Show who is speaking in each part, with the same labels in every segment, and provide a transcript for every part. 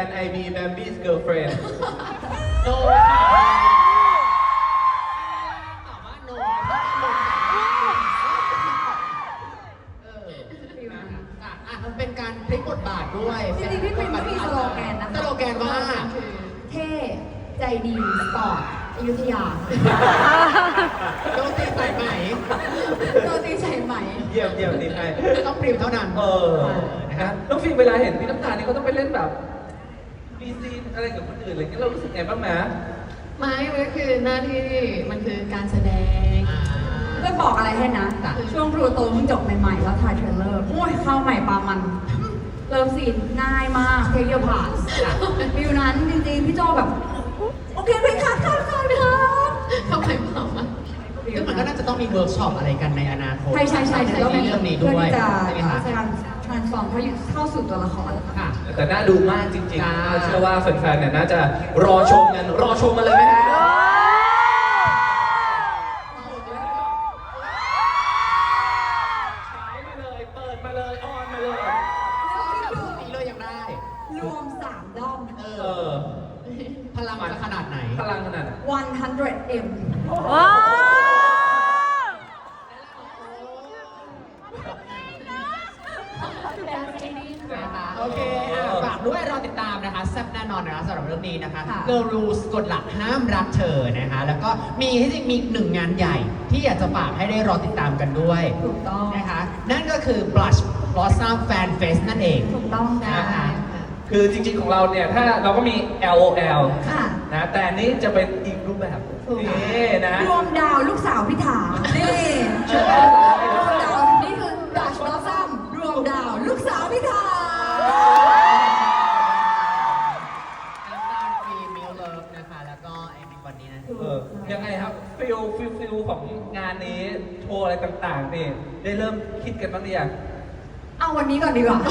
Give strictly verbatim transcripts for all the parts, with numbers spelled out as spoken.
Speaker 1: Can I be Bambi's girlfriend
Speaker 2: โนตอบว่าโนเอออ่ะอ่ะมันเป็นการพลิกบทบาทด้วย
Speaker 3: จริงๆพี่ปิ่นก็มีสโลแกนนะคะ
Speaker 2: สโลแกนว่า
Speaker 3: เท่ใจดีสปอร์ตอยุธยา
Speaker 2: โดนตีใส่ไหม
Speaker 3: โรตีใส่ไหม
Speaker 1: เยี่ยมเยี่ยมดีไป
Speaker 2: ต้องปริมเท่านั้น
Speaker 1: เออนะฮะน้องฟิล์มเวลาเห็นพี่น้ำตาลนี่เขาต้องไปเล่นแบบมีซีนอะไรกับคนอื่นอะไรเงี้ยเรารู้สึกไงบ้างไหม
Speaker 4: ไม่มันก็คือหน้าที่มันคือการแสดง
Speaker 2: อ่า
Speaker 3: เพื่อบอกอะไรให้นะ ช่วงพลูโตเพิ่งจบใหม่ๆ แล้วถ่ายเทรลเลอร์ โอ้ยเข้าใหม่ปลามัน เริ่มซีนง่ายมากเทคเดียวผ่านฟิวนั้นจริงๆ พี่โจแบบ โอเคไปคัดคัดคัดคัด
Speaker 4: เข้าไปเปล่ามัน
Speaker 2: ซึ่งมันก็น่าจะต้องมีเวิร์กช็อปอะไรกันในอนาคต
Speaker 3: ใช่ใช่ใช่
Speaker 2: ในเรื่องนี้ด้วย
Speaker 3: เพื่อ
Speaker 2: ใช่ไหม
Speaker 3: ที่
Speaker 2: คะ
Speaker 3: จะทรานส์ฟอร์มเข้าสู่ตัวละคร
Speaker 2: ค่ะ
Speaker 1: แต่น่าดูมากจริง
Speaker 2: จ้า
Speaker 1: ๆเชื่อว่าแฟนๆเนี่ยน่าจะรอชมกันรอชมมาเลยไหมฮะฉายมาเลยเปิดมาเลยออนมาเลย
Speaker 2: นี่เลยยังได้
Speaker 3: รวมสามด้อม
Speaker 2: เอ
Speaker 1: เอ
Speaker 2: อ
Speaker 1: อ
Speaker 2: พลังมันจะขนาดไหน
Speaker 1: พลังขนาดไหน
Speaker 3: หนึ่งร้อยเอ็ม
Speaker 5: ว้าว
Speaker 2: นะคะโอเคอ่ะฝากด้วยรอติดตามนะคะแซ่บแน่นอนนะคะสำหรับเรื่องนี้นะคะ
Speaker 3: ค่ะ
Speaker 2: Girl Rules กฎหลักห้ามรักเธอนะคะ แล้วก็มีที่จริงมีหนึ่งงานใหญ่ที่อยากจะฝากให้ได้รอติดตามกันด้วย
Speaker 3: ถูกต้อง
Speaker 2: นะคะ นั่นก็คือ Blush Blossom Fan Fest นั่นเอง
Speaker 3: ถูกต้องนะ
Speaker 2: นะคะ
Speaker 1: คือจริงๆของเราเนี่ยถ้าเราก็มี แอล โอ แอล
Speaker 3: ค่ะ
Speaker 1: นะแต่อันนี้จะเป็นอีกรูปแบบ
Speaker 3: ถูก
Speaker 1: นี่นะ
Speaker 3: รวมดาวลูกสาวพิธานี่รวมดาวนี่คือดัชบอสซัมรวมดาวลูกสาวพิธา
Speaker 2: น้ำตาลฟรีมิลเลิฟนะคะ แล้วก็ไอ้ในวันนี้นะ
Speaker 1: เออยังไงครับฟิลฟิลฟิลของงานนี้โชว์อะไรต่างๆนี่ได้เริ่มคิดกันบ้างหรือยัง
Speaker 3: เอาวันนี้ก่อนดีกว่า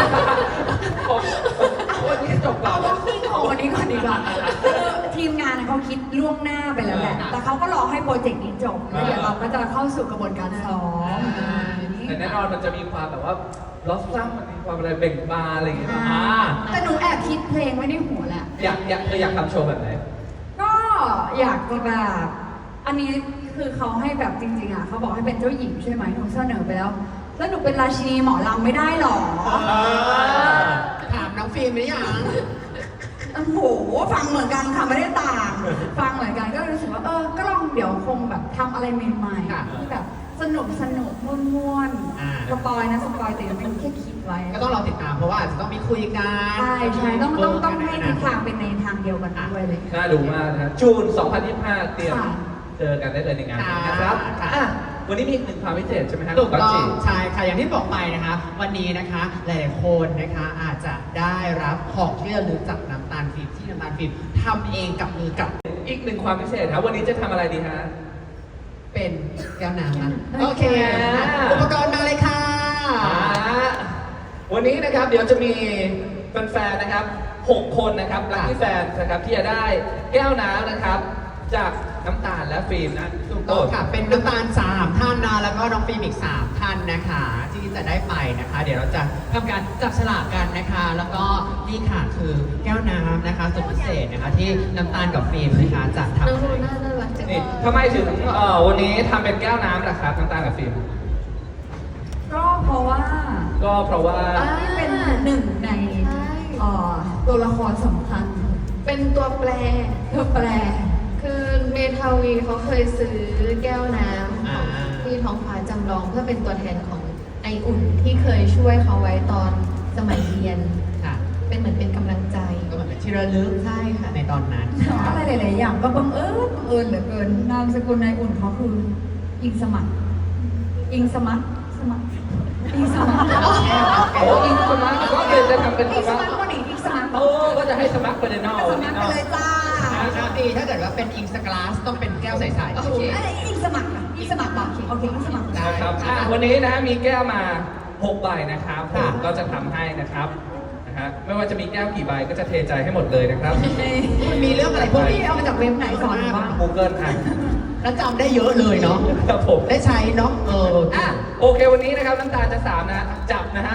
Speaker 1: วันนี้จบก่อ
Speaker 3: เอา
Speaker 1: น
Speaker 3: วอล์กกิ้งของวันนี้ก่อนดีกว่าคือทีมงานน่ะเขาคิดล่วงหน้าไปแล้วแหละ แต่เขาก็รอให้โปรเจกต์นี้จบ แล้วเดี๋ยวเราก็จะเข้าสู่กระบวนการซ้อม
Speaker 1: แต่แน่นอนมันจะมีความแบบว่าลอสซัมมันมีความอะไรเบ่งบานอะไรอย่างเงี้ย
Speaker 3: อ่า
Speaker 1: อ่า
Speaker 3: แต่หนูแอบคิดเพลงไว้ในหัวแหละ
Speaker 1: อยากอยากเธออยากทำโชว์แบบไหน
Speaker 3: ก็อยากจะแบบ อันนี้คือเขาให้แบบจริงๆอ่ะเขาบอกให้เป็นเจ้าหญิงใช่ไหมหนูเสนอไปแล้ว แล้วหนูเป็นราชินีหมอลำไม่ได้หรอ
Speaker 2: ถามน้องฟิล์มหรือยัง
Speaker 3: โอ้โห ฟังเหมือนกันค่ะไม่ได้ต่าง ฟังเหมือนกันก็รู้สึกว่าเออ ก็ลองเดี๋ยวคงแบบทำอะไรใหม่
Speaker 2: ค่ะ
Speaker 3: ๆที่แบบสนุกสนุกม่วน
Speaker 2: อ่า
Speaker 3: ๆสปอยนะสปอยแต่ยังไม่แค่คิดไว้
Speaker 2: ก็ต้องรอติดตามเพราะว่าอาจจะต้องมีคุยกัน
Speaker 3: ใช่ใช่ต้องต้องต้องให้ทิศทาง
Speaker 2: เป็
Speaker 3: เป็นในทางเดียวกันด้วยเลย
Speaker 1: น่าดูมากนะจูน สองพันยี่สิบห้า เตรียม
Speaker 3: ค่ะ
Speaker 1: เจอกันได้เลยในงานนี้นะครับ
Speaker 2: ค่ะ
Speaker 1: อ่ะวันนี้มีอีกหนึ่งความพิเศษใช่ไหมฮะ
Speaker 2: ถูกต้อง
Speaker 1: จี
Speaker 2: ใช่ค่ะอย่างที่บอกไปนะคะ วันนี้นะคะหลายๆคนนะคะอาจจะได้รับของที่ระลึกจากน้ำตาลฟิล์มที่น้ำตาลฟิล์มทำเองกับมือกับ
Speaker 1: อีกหนึ่งความพิเศษครับวันนี้จะทำอะไรดีฮะ
Speaker 2: เป็นแก้วน้ำนะ
Speaker 3: โอ
Speaker 2: โอ
Speaker 3: เค
Speaker 2: เคอุปกรณ์มาเลยค่ะ
Speaker 1: อ่าวันนี้นะครับเดี๋ยวจะมีแฟนๆนะครับหกคนนะครับลัคกี้แฟนนะครับที่จะได้แก้วน้ำนะครับ จากน้ำตาลและฟิล์มนะ
Speaker 2: ถูกต้องค่ะ เป็นน้ำตาลสามท่านนะแล้วก็น้องฟิล์มอีกสามท่านนะคะ ที่จะได้ไปนะคะ เดี๋ยวเราจะทำการจับฉลากกันนะคะ แล้วก็นี่ค่ะคือแก้วน้ำนะคะสุดพิเศษนะคะที่น้ำตาลกับฟิล์มนะคะจะทำ
Speaker 4: น้อง
Speaker 2: ให้
Speaker 4: ลูน่าน่ารักจัง
Speaker 1: นี่ทำไมถึงเอ่อวันนี้ทำเป็นแก้วน้ำล่ะครับน้ำตาลกับฟิล์ม
Speaker 3: ก็เพราะว่า
Speaker 1: ก็เพราะว่า
Speaker 3: นี่เป็นหนึ่งในเอ่อตัวละครสำคัญ
Speaker 4: เป็นตัวแปร
Speaker 3: เธอแปล
Speaker 4: คือเมทาวีเขาเคยซื้อแก้วน้ำ
Speaker 2: อ่า
Speaker 4: ของที่ท้องฟ้าจำลองเพื่อเป็นตัวแทนของไออุ่นที่เคยช่วยเขาไว้ตอนสมัยเรียน
Speaker 2: ค่ะ
Speaker 4: เป็นเหมือนเป็นกำลังใจ
Speaker 2: ก็เหมือนเป็นที่ระลึก
Speaker 4: ใช่ค่ะ
Speaker 2: ในตอนนั้น
Speaker 3: อะไรหลาย ๆ อย่างก็บังเอิญบังเอิญเหลือเกิน นามสกุลนายอุ่นเขาคือ อิงสมัครอิงสมัครสมัครอิงสมัคร
Speaker 1: โอ้อินสมัครก็คือจะทำเป็น
Speaker 3: อิง
Speaker 1: ส
Speaker 3: ส
Speaker 1: มั
Speaker 3: มั
Speaker 1: ค
Speaker 3: ค
Speaker 1: ร
Speaker 3: รก็หนีอิงสมัคร
Speaker 1: โอ้ก็จะให้สมัครเป็นนอล
Speaker 3: สมัครไปเลยจ้า
Speaker 2: นะครับดีถ้าเกิดว่าเป็นอิงสกลาสต้องเป็นแก้วใสๆ
Speaker 4: โอเค
Speaker 3: ไอ้อิงสมัครอ่ะอิงสมัครบอกโอเคอิงสมัคร
Speaker 2: ได้
Speaker 1: นะครับอ่ะวันนี้นะมีแก้วมาหกใบนะครับผ
Speaker 2: ค่ะ
Speaker 1: มก็จะทำให้นะครับนะฮะไม่ว่าจะมีแก้วกี่ใบก็จะเทใจให้หมดเลยนะครับ
Speaker 2: มันมีเรื่องอะไรพวก
Speaker 3: พี่
Speaker 2: นี้
Speaker 3: เอามาจากเว็บไหนสอนหนูบ้าง
Speaker 1: Google อ่ะ
Speaker 2: แล้วจำได้เยอะเลยเนาะ
Speaker 1: ครับผม
Speaker 2: ได้ใช้เนาะเออ
Speaker 1: อ่ะโอเควันนี้นะครับน้ำตาลจะสามนะจับนะฮะ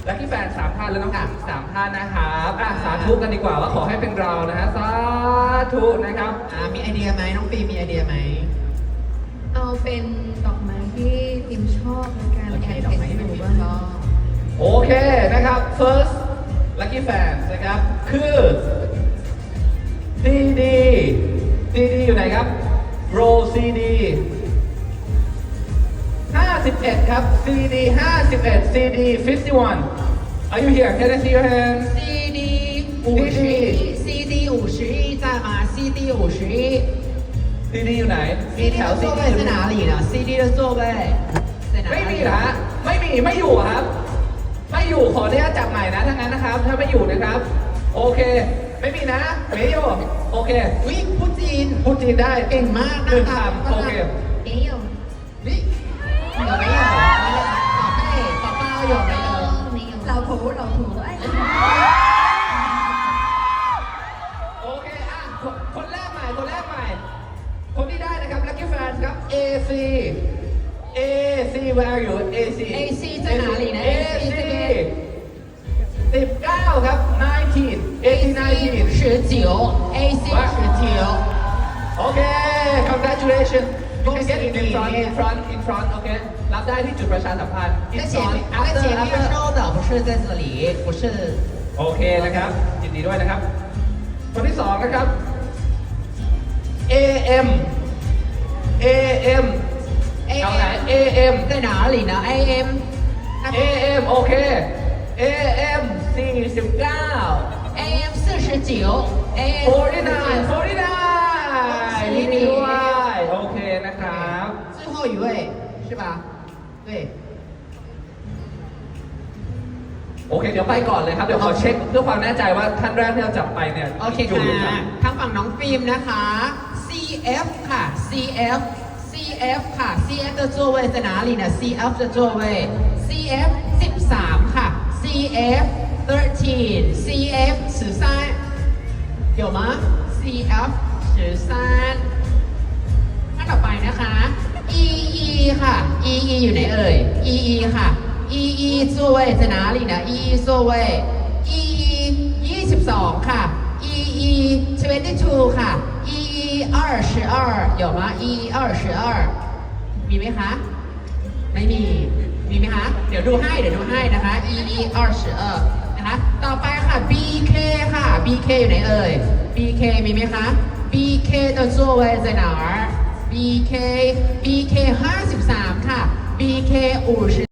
Speaker 1: ลัคกี้แฟนสามท่านและน้องอ่างสามท่านนะครับอ่ะสาธุกันดีกว่าว่าขอให้เป็นเรานะฮะสาธุนะครับ
Speaker 2: อ่ามีไอเดียไหมน้องฟิล์มมีไอเดียไหม
Speaker 4: เอาเป็นดอกไม้ที่พิมชอบในการ
Speaker 2: โอเค
Speaker 4: แข่ง
Speaker 2: ดอกไม้
Speaker 4: ขัน
Speaker 2: ที่
Speaker 4: อ
Speaker 2: พิ
Speaker 4: ยู่
Speaker 1: 哦
Speaker 2: มชอบ
Speaker 4: บ้างก็
Speaker 1: โอเคนะครับ first lucky fans นะครับ คือ ซี ดี ซี ดี อยู่ไหนครับ row ซี ดี ห้าสิบเอ็ดครับ ซี ดี ห้าสิบเอ็ด ซี ดี fifty-one Are you here? Can I see your hand?
Speaker 2: C D 五十一 C D 五十一在吗 C D 五十一
Speaker 1: ซี ดี อยู่ไหน มี
Speaker 2: C
Speaker 1: แถ
Speaker 2: D
Speaker 1: ว
Speaker 2: 的
Speaker 1: ซี
Speaker 2: 座
Speaker 1: ดี
Speaker 2: 位在哪里呢 C D 的座位在哪
Speaker 1: ไม่มี
Speaker 2: 里
Speaker 1: เหรอฮะไม่มี ไม่อยู่ครับ ไม่อยู่ ขออนุญาตจับใหม่นะถ้างั้นนะครับ ถ้าไม่อยู่นะครับ โอเค ไม่มีนะ ไม่อยู่ โอเค
Speaker 2: วิพูดจีน
Speaker 1: พูดจีนได้
Speaker 2: เก่งมาก
Speaker 1: หนึ่ง
Speaker 2: นะคะ
Speaker 1: คำโอเค
Speaker 4: 没有
Speaker 2: วิ有没有宝贝宝宝有没有
Speaker 4: 没有
Speaker 3: เราถูเราถูไอ้
Speaker 1: โอเค อ่ะ คนคนแรกใหม่ คนแรกใหม่ คนที่ได้นะครับ Lucky Fans ครับ เอ ซี เอ ซี where are you เอ ซี
Speaker 2: A C 在哪里呢
Speaker 1: เอ
Speaker 2: A C
Speaker 1: ซี
Speaker 2: 这边
Speaker 1: สิบเก้าครับ nineteen
Speaker 2: A
Speaker 1: eighteen
Speaker 2: C
Speaker 1: nineteen
Speaker 2: 十九 A C 十九
Speaker 1: โอเค congratulations you
Speaker 2: 恭
Speaker 1: can
Speaker 2: 喜
Speaker 1: get in
Speaker 2: 你
Speaker 1: front in front in front โอเค รับได้ที่จุดประชาสัมพันธ์ in
Speaker 2: 在前
Speaker 1: front
Speaker 2: 面在
Speaker 1: after
Speaker 2: 前面
Speaker 1: after
Speaker 2: 收的不是在这里不是
Speaker 1: โอเคนะครับ ยินดีด้วยนะครับ คนที่สองนะครับ เอ เอ็ม เอ เอ็ม เอาไหน เอ เอ็ม
Speaker 2: 在哪里呢 A M 那
Speaker 1: เอ เอ็ม โอเค เอ เอ็ม สี่สิบเก้า
Speaker 2: A M 四十九 A M
Speaker 1: forty-nine forty-nine ยินดีด้วย โอเคนะครับ
Speaker 2: 最后一位是吧对
Speaker 1: โอเค เดี๋ยวไปก่อนเลยครับ เดี๋ยวขอเช็คเพื่อความแน่ใจว่าท่านแรกที่เราจับไปเนี่ย
Speaker 2: โอเค
Speaker 1: ยู่หรือ
Speaker 2: ค่ะ
Speaker 1: ยัง
Speaker 2: ทางฝั่งน้องฟิล์มนะคะ C F ค่ะ C F C F ค่ะ C F 的座位在哪里呢 C F 的座位 C F สิบสามค่ะ C F thirteen C F 十三有吗 C F 十三ท่านต่อไปนะคะ E E ค่ะ E E อยู่ไหนเอ่ย E E ค่ะ E E 座位在哪里呢 E E 座位 E E ยี่สิบสองค่ะ E E twenty-two ค่ะ E E 二十二有吗 E E 二十二มีไหมคะ ไม่มี มีไหมคะ เดี๋ยวดูให้ เดี๋ยวดูให้นะคะ E E 二十二นะคะ ต่อไปค่ะ B K ค่ะ B K อยู่ไหนเอ่ย B K มีไหมคะ B K 的座位在哪儿 B K B K ห้าสิบสามค่ะ B K 五十